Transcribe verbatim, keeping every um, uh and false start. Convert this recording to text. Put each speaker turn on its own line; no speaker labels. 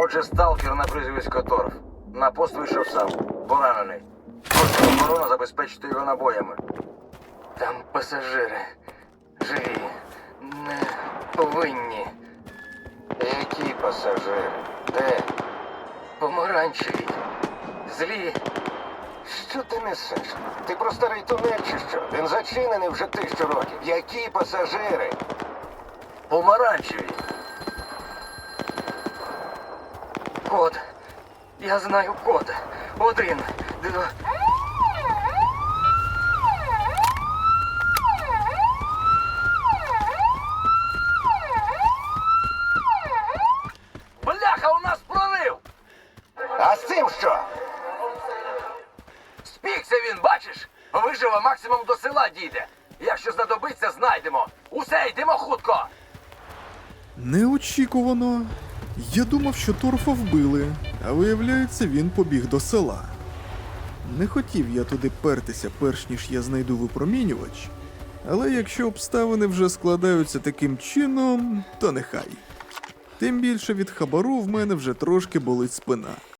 Отже, сталкер на прізвисько Торф. На пост вийшов сам. Поранений. Просить охорона забезпечити його набоями. Там пасажири. Живі. Не повинні. Які пасажири? Де? Помаранчеві. Злі. Що ти несеш? Ти про старий тунель чи що? Він зачинений вже тисячу років. Які пасажири? Помаранчеві. Код. Я знаю код. Один, два... Бляха, у нас прорив! А з цим що? Спікся він, бачиш? Виживе, максимум до села дійде. Якщо знадобиться, знайдемо. Усе, йдемо хутко.
Неочікувано. Я думав, що торфа вбили, а виявляється, він побіг до села. Не хотів я туди пертися, перш ніж я знайду випромінювач, але якщо обставини вже складаються таким чином, то нехай. Тим більше від хабару в мене вже трошки болить спина.